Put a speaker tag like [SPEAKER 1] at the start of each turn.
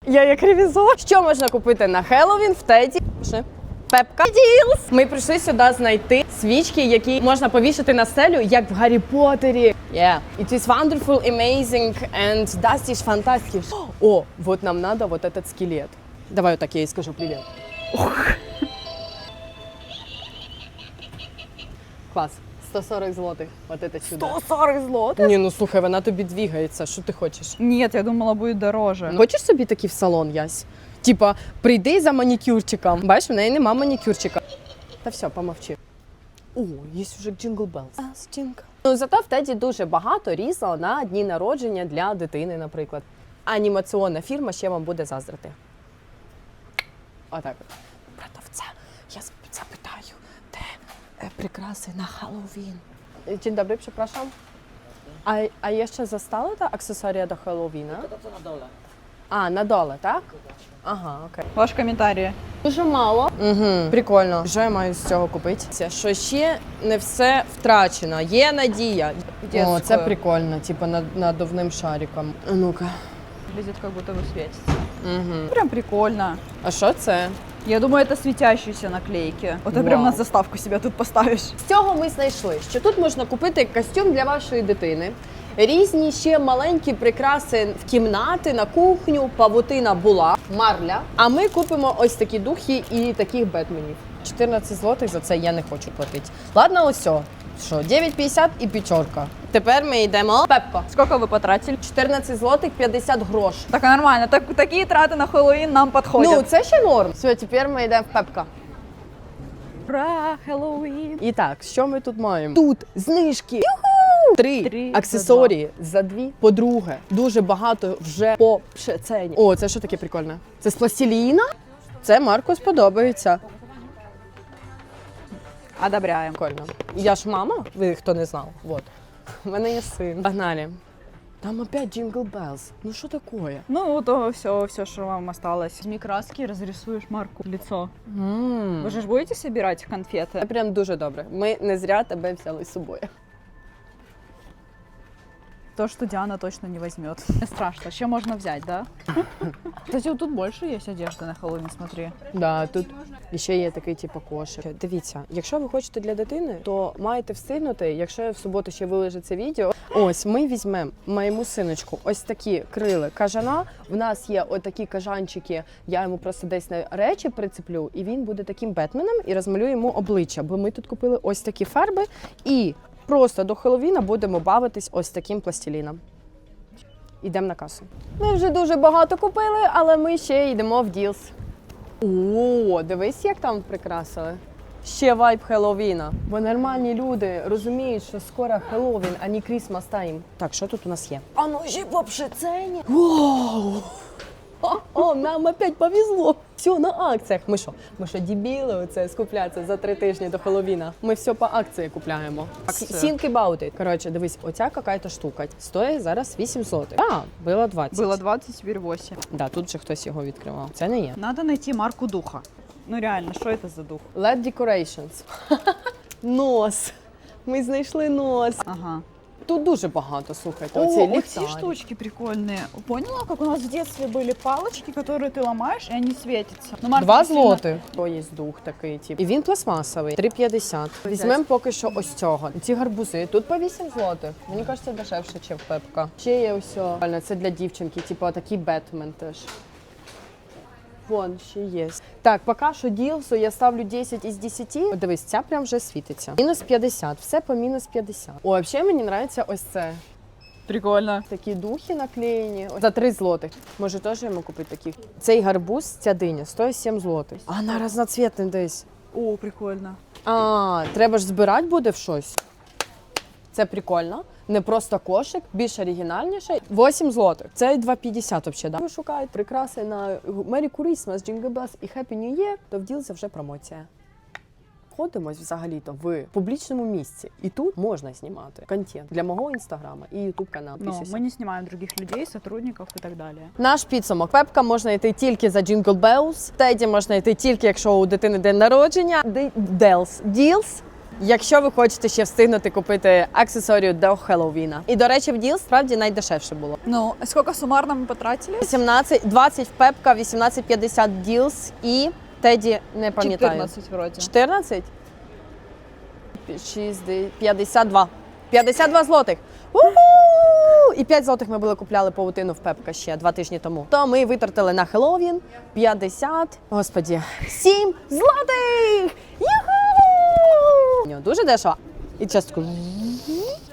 [SPEAKER 1] Я як ревізор. Що можна купити на Хеллоуін в Теді? Пепка Ділс. Ми прийшли сюди знайти свічки, які можна повішати на стелю, як в Гаррі Поттері. Yeah. It is wonderful, amazing and das ist fantastisch. О, вот нам надо вот этот скелет. Давай вот так я ей скажу привет. Клас. 140 злотих. Вот это чудо.
[SPEAKER 2] 140 злотих?
[SPEAKER 1] Ні, ну слухай, вона тобі двигається. Що ти хочеш?
[SPEAKER 2] Нет, я думала, будет дороже.
[SPEAKER 1] Хочеш собі такий в салон, Ясь? Типа, прийди за манікюрчиком. Бачиш, в неї нема манікюрчика. Та все, помовчи. О, є вже Jingle Bells. Ну, зато в Теді дуже багато різного на дні народження для дитини, наприклад. Анімаційна фірма ще вам буде заздрити. Отак от. Продавця, я запитаю, де прикраси на Хеллоуін? Dzień dobry, przepraszam. A jeszcze zostały te akcesoria do Halloweena?
[SPEAKER 3] To na dole.
[SPEAKER 1] А, на доле, так? Ага, окей.
[SPEAKER 2] Ваш коментарі.
[SPEAKER 1] Дуже мало. Угу. Прикольно. Що я маю з цього купити? Що ще не все втрачено. Є надія. О, це прикольно, типу надувним шариком. А ну-ка.
[SPEAKER 2] Выглядит, как будто бы светится.
[SPEAKER 1] Угу.
[SPEAKER 2] Прям прикольно.
[SPEAKER 1] А що це?
[SPEAKER 2] Я думаю, это светящиеся наклейки. Вот ты прям на заставку себя тут поставишь.
[SPEAKER 1] З цього ми знайшли, що тут можна купити костюм для вашої дитини. Різні ще маленькі прикраси в кімнати, на кухню, павутина була, марля. А ми купимо ось такі духи і таких бетменів. 14 злотих за це я не хочу платити. Ладно, ось о. Що, 9,50 і п'ятерка. Тепер ми йдемо. Пепко.
[SPEAKER 2] Сколько вы потратили?
[SPEAKER 1] 14 злотих 50 грош.
[SPEAKER 2] Так нормально. Такие траты на Хэллоуин нам подходят.
[SPEAKER 1] Ну, це ще норм. Все, тепер ми йдемо в Пепка.
[SPEAKER 2] Ура, Хэллоуин.
[SPEAKER 1] І так, що ми тут маємо? Тут знижки. Три аксесорії за 2. По-друге, дуже багато вже по ціні. О, це що таке прикольне? Це з пластиліна? Це Марку сподобається.
[SPEAKER 2] Одобряем.
[SPEAKER 1] Прикольно. Я ж мама, ви хто не знав. Вот. У мене є син. Погнали. Там опять Jingle Bells. Ну що таке?
[SPEAKER 2] Ну, то все, что вам осталось. Возьми краски, разрисуешь Марку лицо. Вы же будете собирать конфеты?
[SPEAKER 1] Це прям дуже добре. Ми не зря тебе взяли з собою.
[SPEAKER 2] То, что Диана точно не возьмет. Не страшно, еще можно взять, да? Кстати, вот тут больше есть одежды на Хэллоуин, смотри.
[SPEAKER 1] Да, тут ще є такий типу кошик. Дивіться, якщо ви хочете для дитини, то маєте встигнути, якщо я в суботу ще виложу це відео. Ось, ми візьмемо моєму синочку ось такі крили кажана. В нас є отакі кажанчики, я йому просто десь на речі прицеплю, і він буде таким Бетменом і розмалює йому обличчя. Бо ми тут купили ось такі фарби і просто до Хеллоуіна будемо бавитись ось таким пластиліном. Йдемо на касу. Ми вже дуже багато купили, але ми ще йдемо в Ділс. О, дивись, як там прикрасили. Ще вайб Хеллоуіна. Бо нормальні люди розуміють, що скоро Хеллоуін, а не Крісмас тайм. Так, що тут у нас є? А ну ще по пшецині. Вау! О, нам опять повезло. Все на акціях. Ми що, дебіли оце скуплятися за 3 тижні до Хеллоуіна? Ми все по акції купляємо. Think about it. Коротше, дивись, оця какая-то штука. Стоїть зараз 8 злотих. А, було 20.
[SPEAKER 2] Было 20, теперь 8.
[SPEAKER 1] Да, тут же хтось його відкривав. Це не є.
[SPEAKER 2] Надо найти марку духа. Ну реально, что это за дух?
[SPEAKER 1] LED Decorations. Нос. Ми знайшли нос.
[SPEAKER 2] Ага.
[SPEAKER 1] Тут дуже багато, слухайте.
[SPEAKER 2] О,
[SPEAKER 1] Оці
[SPEAKER 2] эти
[SPEAKER 1] ліхтарі.
[SPEAKER 2] штучки прикольные. Поняла, как у нас в детстве были палочки, которые ты ломаешь, и они светятся? Ну, Марка
[SPEAKER 1] 2
[SPEAKER 2] сильно-
[SPEAKER 1] злотих. О, є дух такий, тип. І він пластмасовий. 3,50. Візьмемо поки що ось цього. Ці гарбузи. Тут по 8 злотих. Мені кажеться, дешевше, ніж в Пепка. Ще є ось. Це для дівчинки, типу такий Бетмен теж. Вон, ще є. Так, поки що ділсу я ставлю 10 із 10. О, дивись, ця прям вже світиться. Мінус 50. Все по мінус 50. О, взагалі мені подобається ось це.
[SPEAKER 2] Прикольно.
[SPEAKER 1] Такі духи наклеєні. За 3 злотих. Може, теж йому купити таких. Цей гарбуз, ця диня, стоїть 7 злотих. А вона разноцвітна десь.
[SPEAKER 2] О, прикольно.
[SPEAKER 1] А, треба ж збирати буде в щось. Це прикольно. Не просто кошик, більш оригінальніше. 8 злотих. Це 2,50 взагалі. Да? Ви шукаєте прикраси на Merry Christmas, Jingle Bells і Happy New Year, то в Ділсі вже промоція. Знаходимось взагалі-то в публічному місці. І тут можна знімати контент для мого інстаграма і ютуб каналу.
[SPEAKER 2] Но мы не снимаем других людей, сотрудников и так далее.
[SPEAKER 1] Наш підсумок. Пепка можна йти тільки за Jingle Bells. Теді можна йти тільки, якщо у дитини день народження. Ділс. якщо ви хочете ще встигнути купити аксесорію до Хеллоуіна. І, до речі, в Діл справді найдешевше було.
[SPEAKER 2] Ну, сколько суммарно мы потратили?
[SPEAKER 1] 20 в Пепка, 18,50 Ділс і Теді, не пам'ятаю.
[SPEAKER 2] 14 вроде.
[SPEAKER 1] 14? 52. 52 злотих. У-ху! І 5 злотих ми були купляли павутину в Пепка ще 2 тижні тому. То ми витратили на Хеллоуін 50, господі, 7 злотих! Юху! Дуже дешево. І частку